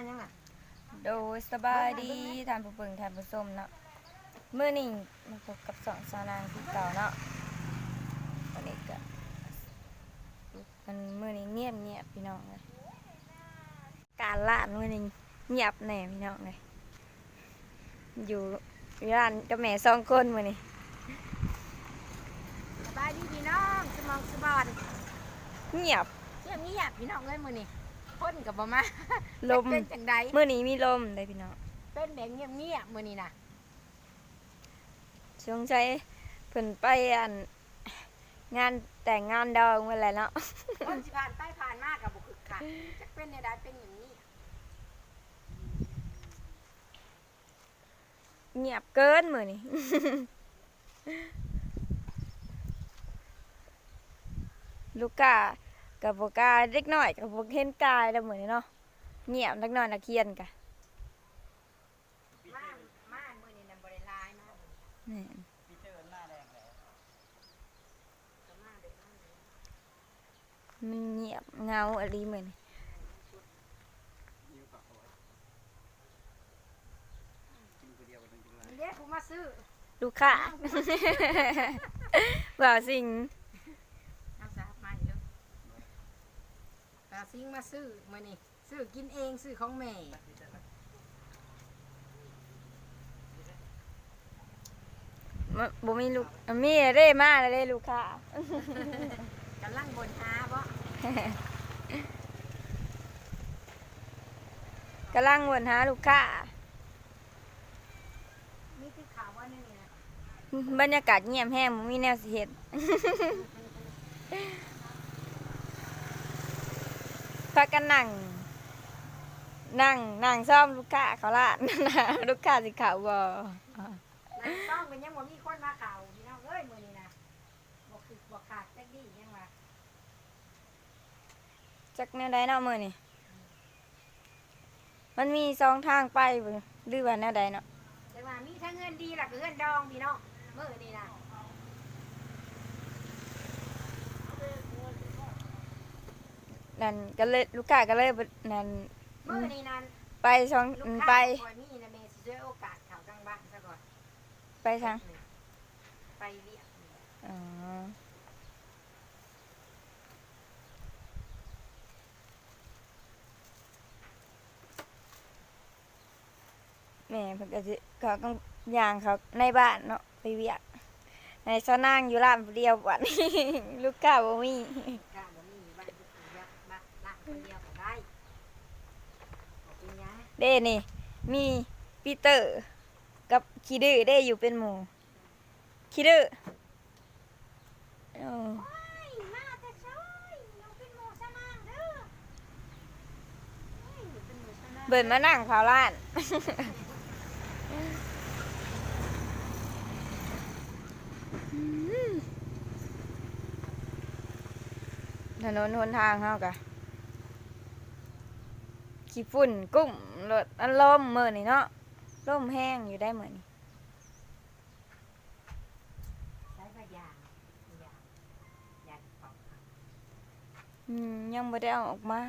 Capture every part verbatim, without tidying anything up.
ยังอ่ะโดยสบายดีทานผู้เบิ่งทานผู้ชมเนาะมื้อนี้มาพบกับสองสาวนางที่เก่าเนาะวันนี้ก็มันมื้อนี้เงียบเงียบพี่น้องเลยการร้านมื้อนี้เงียบแน่พี่น้องเลยอยู่ร้านกับแม่สองคนมื้อนี้สบายดีพี่น้องสมองสบอนเงียบเชื่องี้อ่ะพี่น้องเอ้ยมื้อนี้คนกับบ่มาลมเป็นจังใดมื้อนี้มีลมได้พี่น้องเป็นแบบเงียบๆมื้อนี้น่ะสงสัยเพิ่นไปอันงานแต่งงานดองเมื่อไหร่เนาะคนสิผ่านไปผ่านมาก็บ่คึกคักจักเป็นแนวใดเป็นอย่างนี้เงียบเกินมื้อนี้ ลูกกากับบ่กล้าเด็กน้อยกับบ่เห็นกายแล้วมื้อนี้เนาะเงียบเด็กน้อยนักเรียนกะมามามื้อนี้น่ะบ่ได้หลายมานี่พี่เจอหน้าแดงแล้วก็มาเด้อมาเด้อมันเงียบเงาอะไรมื้อนี้ยิ้วปากเอาไว้กินคนเดียวกันจริงๆเลยเด้ผู้มาซื้อลูกค้า ว่าสิ่งเอาซะมาอีกเด้อตาซิงมาซื้อมื้อนี้ซื้อกินเองซื้อของแม่บ่บ่มีลูกมีเด้มาแล้วเด้ลูกค้ากำลังบ่นหาบ่กำลังวนหาลูกค้ามีที่ข่าวว่านี่นะบรรยากาศเงียบแห้งบ่มีแนวสิเฮ็ด พากันนั่งนั่งนั่งซ่อมลูกค้าเขาละลูกค้าสิเขาบ่นายต้องเป็นยังบ่มีคนมาข่าวพี่น้องเอ้ยมื้อนี้นะบ่คือบ่ขาดจักดียังว่าจักแนวใดเนาะมื้อนี้มันมีสองทางไปบ่หรือว่าแนวใดเนาะแต่ว่ามีทั้งเงินดีแล้วก็เงินดองพี่น้องมื้อนี้นะนั่นก็เลยลูกค้าก็เลยบ่นั่นมื้อนี้นั้นไปสองลูกไปค้าบ่มีนะแม่สิช่วยโอกาสเข้ากลางบ้านซะก่อนไปทางไปเรียกอ๋อแม่เพิ่นก็สิเขาก็ย่างเขาในบ้านเนาะไปเวียกในซะนางอยู่ร้านผู้เดียวบัดนี้ ลูกค้าบ่มีกล้าบ่มีอยู่บ้านทุกคนยักบ้านละคนเดียวก็ได้บ่เป็นหยังเด้นี่ มีปีเตอร์กับคีดื้อเด้อยู่เป็นหมู่คีดื้ออ๋อโอ้ยมาแต่ช้อยน้องเป็นหมู่ซะนางเด้อเฮ้ยเป็นหมู่ซะนางเบิ่นมานั่งเผาร้าน ถนนหนทางเฮากะขี้ฝุ่นกุ้มรถอันลมมื้อนี่เนาะลมแห้งอยู่ได้มื้อนี่ใช้พยางยางยางปอกอืมยังบ่ได้เอาออกมา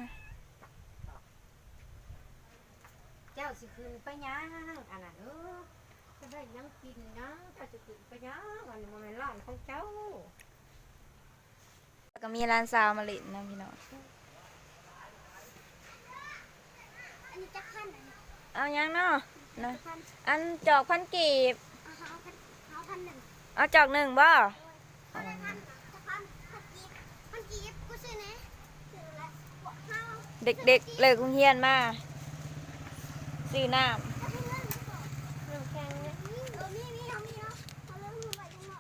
เจ้าสิขึ้นไปยังอันนั้นเออจะได้ยังกินนะเจ้าสิขึ้นไปยังอันนี้มันเป็นร้านของเจ้าแล้วก็มีร้านซาวมาเลินนะพี่น้องอันนี้จะขั้นอันนี้เอายังเนาะนะพันอันจอกพันกีบเอาเขาพันเขาพันหนึ่งเอาจอกหนึ่งบ่เอาได้พันจะพันพันกีบพันกีบกูซื้อนะซื้อละบอกเขาเด็กๆเลิกโรงเรียนมาซื้อน้เอาให้เงินมาก่อนเรื่องแข่งเนี่ยเออมีมีเอามีเนาะเอาเรื่องมือไปจังหน่อย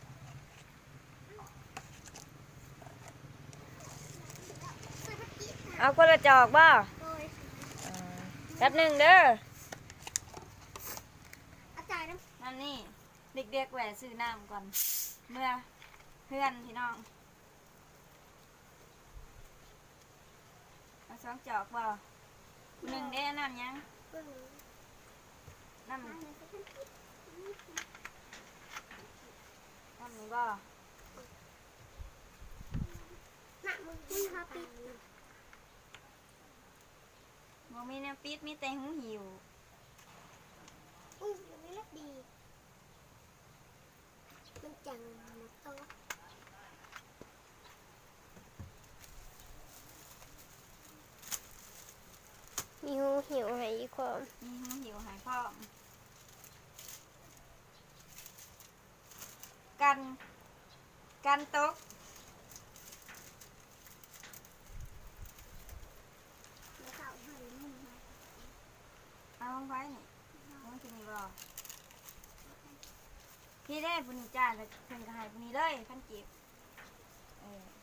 ซื้อพันกีบำเอาคนละจอกบ่โดยเออแป๊บหนึ่งเด้ออาจารย์น้นั่นนี่เด็กๆแหวะซื้อน้ำก่อน เมื่อเพื่อนพี่น้องเอาสองจอกบ่หนึ่งเด้อน้ำยังำเบิ่งน้ำอันนี้จะพันกีบน้ำนี่บ่หนักมึงมึงฮาปีบ่มีแนวปิดมีแต่หูหิวอุ้ยมันไม่เล็กดีมันจังนะโตะมีหูหิวให้อีกความมีหูหิวหายพร้อมกันกันตกแล้วเขาให้มึงมาเอาลงไปนี่มันจะมีบ่พี่ได้ปุนิจ้าแล้วเพิ่นก็ให้ปุนิเลยพันเก็บเออ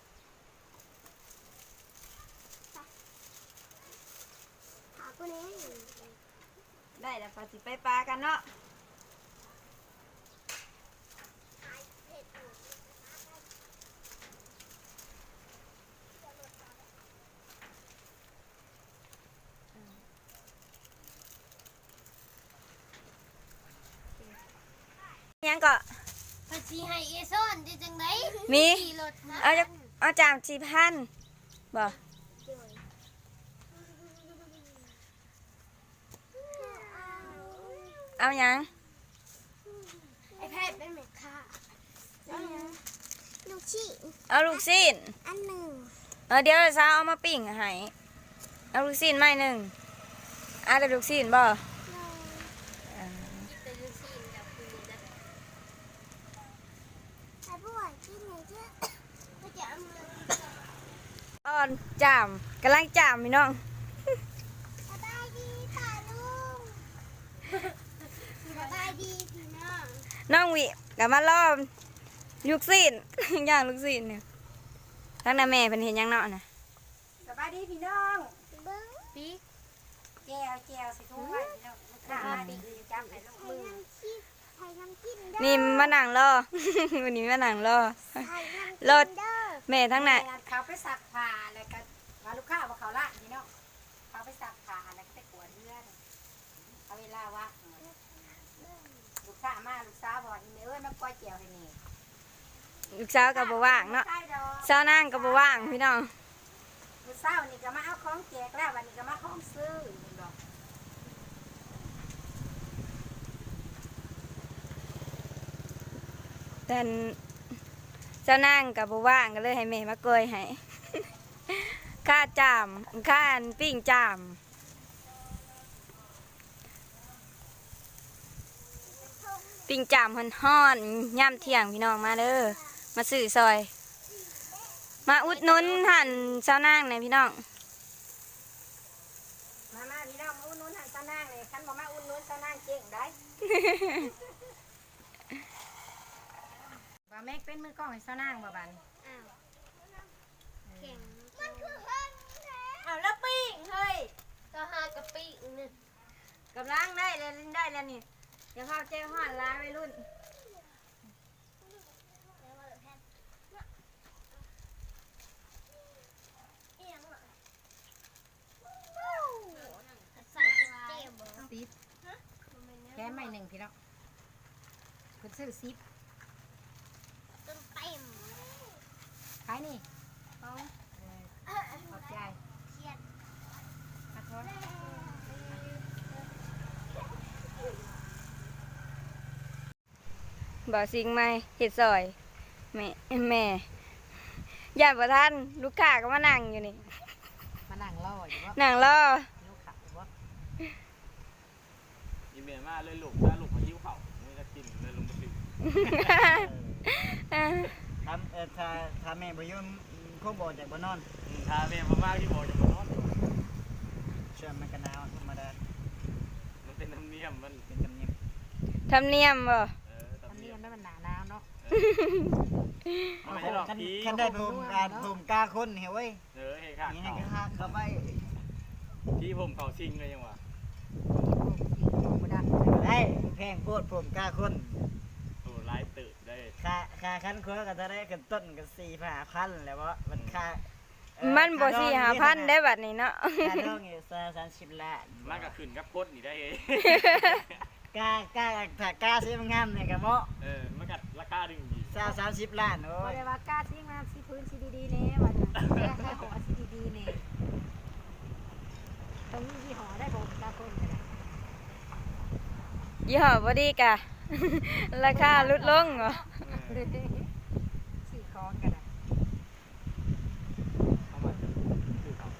หาคนนี้ได้แล้วก็สิไปปลากันเนาะหายเผ็ดอยู่ยังก็ภาษีให้เอซอนได้จังไดมีขี่รถมาเอาจะเอาจามสี่พันบ่ เอาหยังไอแพทย์เป็นแม่ค้าลูกชิ้นเอาลูกซีนอันหนึ่งเออเดี๋ยวสาวเอามาปิ้งให้เอาลูกซีนไม้หนึ่งเอาแต่ลูกซีนบ่เราอ่าเป็นลูกชิ้นกับคุณนะไอ้ผู้ใหญ่กินไหนเจ้าก็จะเอามาอ่อนจามกำลังจามพี่น้องสบายดีป่าลุงสบายดีพี่น้องน้องวิกับมาล้อมลูกซีน ย่างลูกซีนเนี่ยทั้งน้าแม่เป็นเห็นหยังเนาะนะสบายดีพี่น้องเบิ้งปีกแก้วแก้วสิทุ่งไว้พี่น้องลูกค้ามาดีคือจับให้ลูกไทมืยอน้ำชีสไทยน้ำกินเด้อนี่มานั่งรอ วันนี้มานั่งรอไทยน้ำกินรถเด้อแม่ทั้งนั้นเขาไปซักผ้าแล้วก็ว่าลูกค้าว่าเขาละพี่น้องเขาไปซักผ้าแล้วก็ไปกวดเลือดเอาเวลาว่าลูกค้ามาลูกสาวบอกอีเมเอ้ยมาปล่อยเจียวให้นี่ลูกสาวกับบ่ว่างเนาะใช่ดอกสาวนั่งกับบ่ว่างพี่น้องลูกสาวนี่ก็มาเอาของแจกแล้ววันนี้ก็มาของซื้อเห็นบอกแต่สาวนั่งกับบ่ว่างก็เลยให้แม่มาโกยให้ ค่าจามค่าอันปิ้งจามปิ้งจามฮ้อนๆย่ำเที่ยงพี่น้องมาเด้อมาซื้อซอย มาอุดหนุนหันสาวนางในอยพี่น้องมามาพี่น้องมาอุ่นนุ่นทางตานางเลยคันบอกมาอุ่นนุ่นตานางเก่งได้ ว่าแม็กเป็นมือกล้องให้เจ้านางบ่บันอ้าวเก่งมันคือเฮิร์นแท้เอาแล้วปิ้งเฮ้ยก็หากะปินึงกำลังได้เลยได้แล้วนี่เดี๋ยวเข้าเจ้าห้อนร้านวัยรุ่นใส่เจมซิปแค่ไม่หนึ่งพี่น้องคุณซื้อซิปต้นเต็มขายนี่เอาเออขอบใจเชียดขอโทษบ่าวสิงไหมเห็ดซอยแม่แม่ย่านประท่านลูกค้าก็มานั่งอยู่นี่มานั่งรออยู่ว่านั่งรอลูกขับว่าอีเมลมาเลยลูกถ้าลูกมาหิ้วเข่าไม่จะกินเลยลงมาสิทำเอ่อถ้าถ้าแม่บ่อยู่คงบ่จากบ่นอนถ้าแม่มามากที่บอกจะมานอนเชื่อมันก็หนาวธรรมดามันเป็นธรรมเนียมมันเป็นธรรมเนียมทำเนียมบ่เออธรรมทำเนีเนียยมมได้มันหนาหนาวเนาะมันไม่ใช่หรอกคันผีคันได้ผมการผมกล้าคนเฮ้ยเว้ยเออเฮ้ค่ะนี่ให้ก็ฮักเข้าไปพี่ผมเขาชิงเลยยังวะบ่ได้ได้แพงโคตรผมกล้าคนโอ้ร้ายตื่นได้ค่าค่าคันคนก็จะได้กันต้นกันสี่ห้าพันแล้วบ่มันค่าเอ่อมันบ่ค่าดสี่องหาพันได้บัดนี้เนาะค่าดองอยู่สามสิบล้านมากกับขึ้นกับกดนี่ได้เองกล้ากล้าถ้ากล้าซื้อมันงามเนี่ยก็เหมาะเออมันกัดราคาดึงดีสามสามสิบล้านโอ้บ่ยได้ว่ากล้าซิ่งมาสิพื้นสิดีๆแน่ว่าจะแก้ให้หัวสิดีๆแน่ตรงนี้ยี่ห้อได้บ่ตาคนกันยี่ห้อบ่ดีกะ ราคาลดลงเหรอซื้อของกันนะเอามาซื้อเขา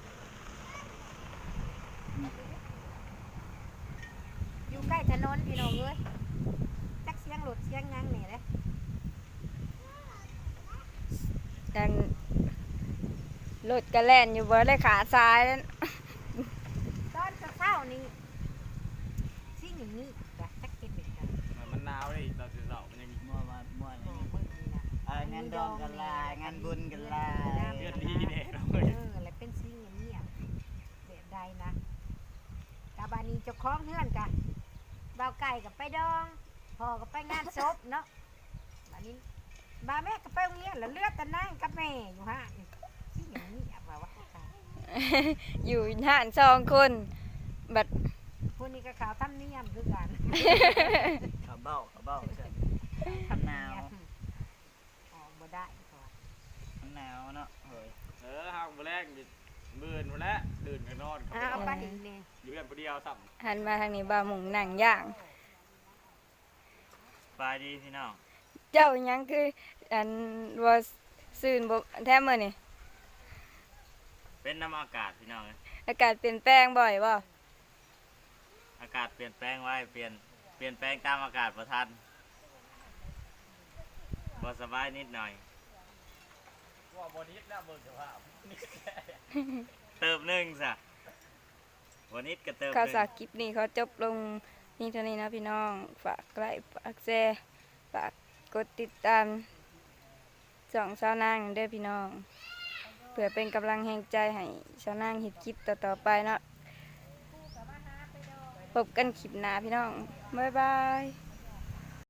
อยู่ใกล้ถนนพี่น้องเอ้ยจักเสียงรถเสียงหยังนี่แหละดังรถกระแล่นอยู่บ่ได้ขาซ้ายแล้วตอนเช้าๆนี่สิ่งอย่างนี้จ้ะจักเป็นเด็กกันมันหนาวเลยตอนเช้ามันยังมั่วมามั่วโอ้นี่เบิ่งนี่นะเอองานดองกันลายงานบุญกันลายเลือดดีเนี่ยเราเอเลยอแล้วเป็นสิ่งอย่างนี้อะแบบใดนะกาบานีเจ้าของเฮือนกะบ่าวไก่กับไปดองพ่อก็ไปงานศพเนาะบานี้บาแม่ก็ไปโรงเรียนแล้วเลือดแต่นั่งกับแม่อยู่ฮะสิ่งอย่างนี้อะว่าว่าค่ะอยู่ห่านสองคนบัดพวกนี้ก็ขาวทำเนียมคือกันเขาเบ้าเขาเบ้าใช่ทำเนียมอ๋อบ่ได้ก่อนมันหนาวเนาะเฮ้ยเออห้างมาแรกดิมื่นมาแล้วตื่นกันนอนอ้าวไปอีกเนี่ยอยู่กันคนเดียวสับหันมาทางนี้บ่าวหมุงหนังย่างไปดีพี่น้องเจ้าหยังคืออันว่าซื่นบ่แท้มื้อนี่เป็นน้ำอากาศพี่น้องอากาศเปลี่ยนแปลงบ่อยบ่อากาศเปลี่ยนแปลงไว้เปลี่ยนเปลี่ยนแปลงตามอากาศประทันบ่สบายนิดหน่อยว่าบอดี้น่าเบิ่งจะว่าเติมหนึ่งซะวันนี้ก็เติมหข่าวนึ่งสารคลิปนี้เขาจบลงนี่เท่านี้นะพี่น้อง ฝากไลค์ฝากแชร์ฝากกดติดตามสองสาวนางเด้อพี่น้อง เพื่อเป็นกำลังแห่งใจให้สาวนางเฮ็ดคลิปต่อๆไปเนาะพบกันคลิปหน้าพี่น้อง บ๊ายบาย